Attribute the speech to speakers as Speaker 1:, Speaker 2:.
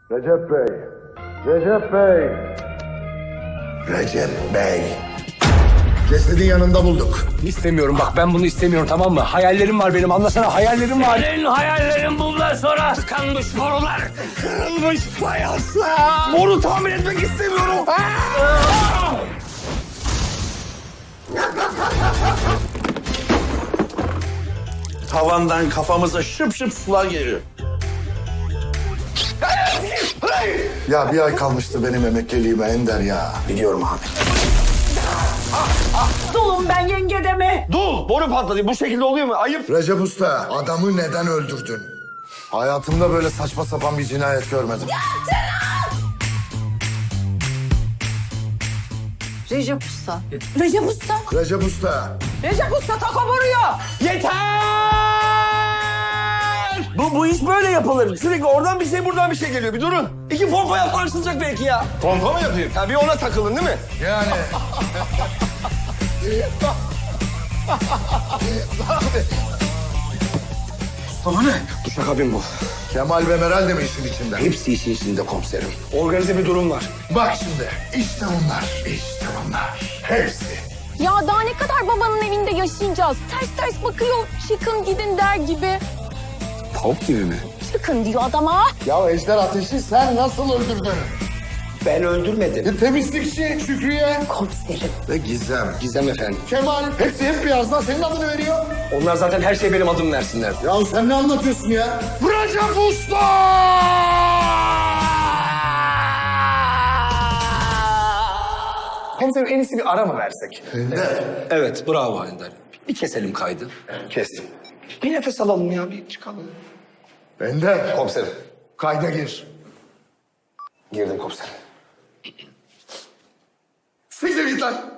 Speaker 1: Recep Bey. Recep Bey. Recep Bey. Cesedin yanında bulduk.
Speaker 2: İstemiyorum bak, ben bunu istemiyorum, tamam mı? Hayallerim var benim, anlasana, hayallerim var.
Speaker 3: Senin hayallerin bundan sonra tıkanmış borular. Kırılmış fayanslar.
Speaker 2: Boru tamir etmek istemiyorum.
Speaker 4: Tavandan kafamıza şıp şıp sular geliyor.
Speaker 1: Ya bir ay kalmıştı benim emekliliğime Ender ya.
Speaker 4: Biliyorum abi.
Speaker 3: Dulum ben yenge deme.
Speaker 4: Dur! Boru patladı. Bu şekilde oluyor mu? Ayıp.
Speaker 1: Recep Usta, adamı neden öldürdün? Hayatımda böyle saçma sapan bir cinayet görmedim.
Speaker 5: Recep Usta. Recep Usta.
Speaker 1: Recep Usta.
Speaker 3: Recep Usta tako vuruyor.
Speaker 4: Yeter! Bu iş böyle yapılır. Sürekli oradan bir şey buradan bir şey geliyor. Bir durun. İki pompa yaparsınacak belki ya. Pompa mı yapayım? Tabii ona takılın değil mi?
Speaker 1: Yani.
Speaker 4: Sana ne? Duşakabin bu.
Speaker 1: Kemal ve Meral de mi işin içinde?
Speaker 4: Hepsi işin içinde komiserim.
Speaker 2: Organize bir durum var.
Speaker 1: Bak şimdi. İşte bunlar. İşte bunlar. Hepsi.
Speaker 5: Ya daha ne kadar babanın evinde yaşayacağız? Ters ters bakıyor, çıkın gidin der gibi.
Speaker 2: Tavuk gibi mi?
Speaker 5: Çıkın diyor adama.
Speaker 1: Ya Ejder Ateş'i sen nasıl öldürdün?
Speaker 2: Ben öldürmedim.
Speaker 1: Temizlikçi Şükrü'ye
Speaker 5: Komiserim.
Speaker 1: ve Gizem.
Speaker 2: Gizem efendim.
Speaker 1: Kemal. Hepsi hep birazdan senin adını veriyor.
Speaker 2: Onlar zaten her şey benim adım versinler.
Speaker 1: Ya sen ne anlatıyorsun ya? Recep Usta!
Speaker 2: Komiserim, en iyisi bir ara mı versek?
Speaker 1: Ender.
Speaker 2: Evet, bravo Ender. Bir keselim kaydı. Kestim. Bir nefes alalım ya, bir çıkalım.
Speaker 1: Ender.
Speaker 2: Komiserim.
Speaker 1: Kayda gir.
Speaker 2: Girdim komiserim.
Speaker 1: Siktir git lan.